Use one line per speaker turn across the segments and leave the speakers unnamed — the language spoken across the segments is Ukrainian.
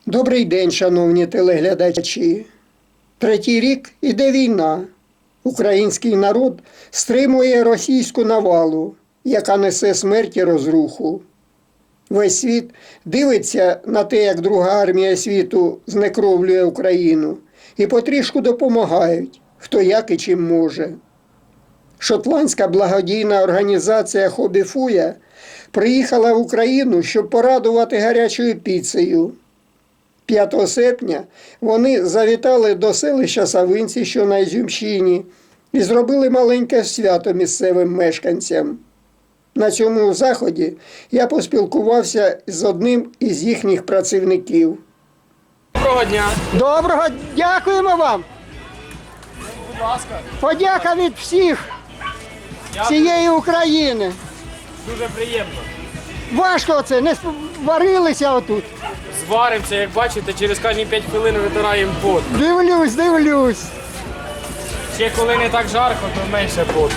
Добрий день, шановні телеглядачі. Третій рік іде війна. Український народ стримує російську навалу, яка несе смерть і розруху. Весь світ дивиться на те, як Друга армія світу знекровлює Україну, і потрішку допомагають, хто як і чим може. Шотландська благодійна організація «Хобі Фуя» приїхала в Україну, щоб порадувати гарячою піцею. 5 серпня вони завітали до селища Савинці, що на Ізюмщині, і зробили маленьке свято місцевим мешканцям. На цьому заході я поспілкувався з одним із їхніх працівників.
Доброго дня.
Доброго, дякуємо вам.
Будь ласка.
Подяка від всіх всієї України.
Дуже приємно.
Важко це, не варилися отут.
Зваримося, як бачите, через кожні 5 хвилин витираємо пот.
Дивлюсь.
Ще коли не так жарко, то менше поту.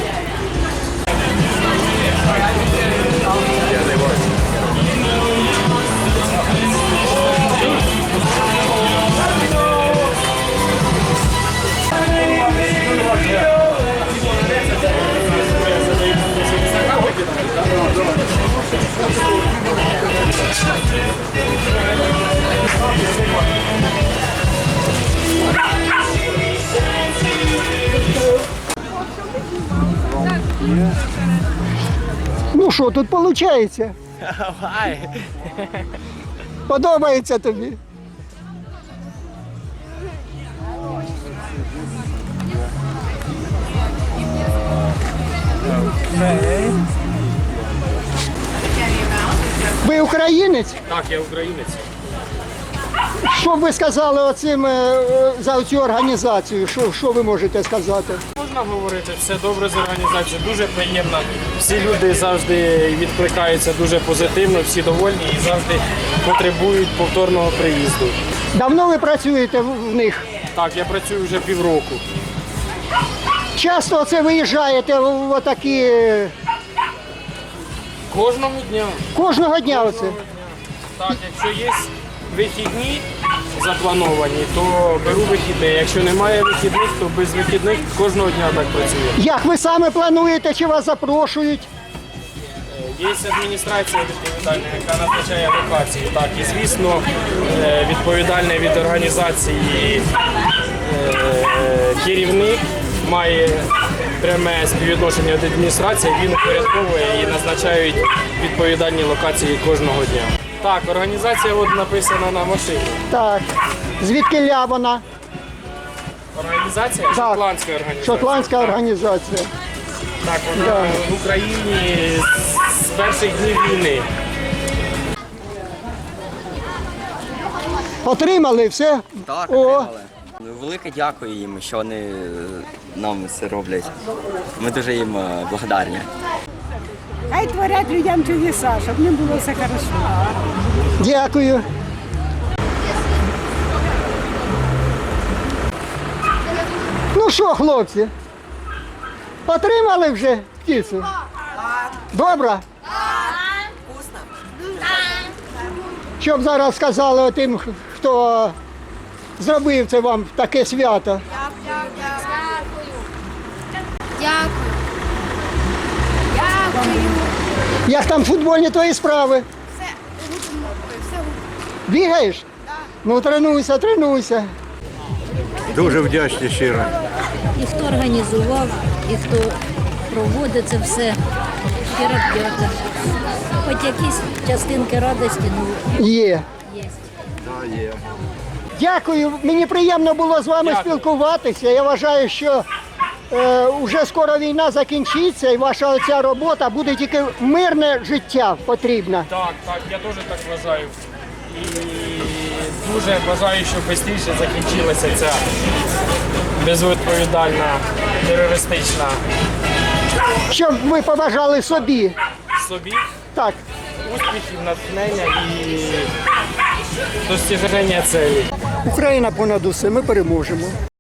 Ну що тут виходить? Подобається тобі? Ви українець?
Так, я українець.
Що б ви сказали оцим, за цю організацію? Що ви можете сказати?
Можна говорити, все добре з організацією, дуже приємно. Всі люди завжди відкликаються дуже позитивно, всі довольні і завжди потребують повторного приїзду.
Давно ви працюєте в них?
Так, я працюю вже півроку.
Часто оце виїжджаєте в отакі,
Кожного дня.
кожного дня оце?
Так, якщо є вихідні заплановані, то беру вихідні. Якщо немає вихідних, то без вихідних кожного дня так працює.
Як ви саме плануєте, чи вас запрошують?
Є адміністрація відповідальна, яка назначає локації. Так, і звісно, відповідальний від організації керівник має пряме співвідношення до адміністрації, він упорядковує і назначають відповідальні локації кожного дня. Так, організація от написана на машині.
Так. Звідки вона?
Організація?
Так.
Шотландська організація.
Шотландська організація.
Так, вона в Україні з перших днів війни.
Отримали все?
Так,
О,
отримали. Велике дякую їм, що вони нам це роблять. Ми дуже їм благодарні.
Хай творять людям чудеса, щоб не було все хорошо.
дякую. Ну що, хлопці? Отримали вже птицю? Добре? Вкусно. Щоб зараз сказали тим, хто зробив це вам таке свято.
Дякую.
Як там футбольні твої справи?
Все все.
Бігаєш? Ну тренуйся.
Дуже вдячні щиро.
І хто організував, і хто проводить це все. Щиро дяка. Хоч якісь частинки радості, ну,
Є.
є.
Дякую, мені приємно було з вами спілкуватися. Я вважаю, що вже скоро війна закінчиться і ваша оця робота буде тільки мирне життя потрібна.
Так, я теж так вважаю. І дуже бажаю, щоб швидше закінчилася ця безвідповідальна терористична
Щоб ви побажали собі.
собі
Так.
успіхів, натхнення і достіження цілей.
Україна понад усе, ми переможемо.